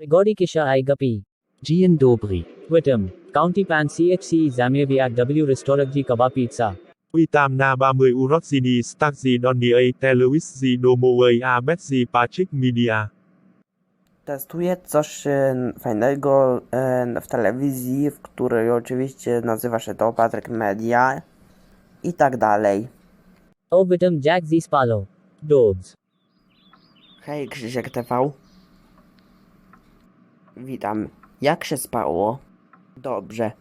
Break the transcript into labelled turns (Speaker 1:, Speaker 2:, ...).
Speaker 1: Gori Kisha I Gapi.
Speaker 2: Dzień dobry.
Speaker 1: Witam. County Pan CHC Zamiaviak W Restoragji Kebab Pizza.
Speaker 3: Uitam na 30 urodziny Stagzi Donnie Telewizji Domowej Abeczi Patrick Media.
Speaker 4: Testuję coś fajnego w telewizji, w której oczywiście nazywa się to Patryk Media i tak dalej.
Speaker 1: O Witam Jack Z Spalo. Dobes.
Speaker 4: Hej Krzysiek TV. Witam. Jak się spało? Dobrze.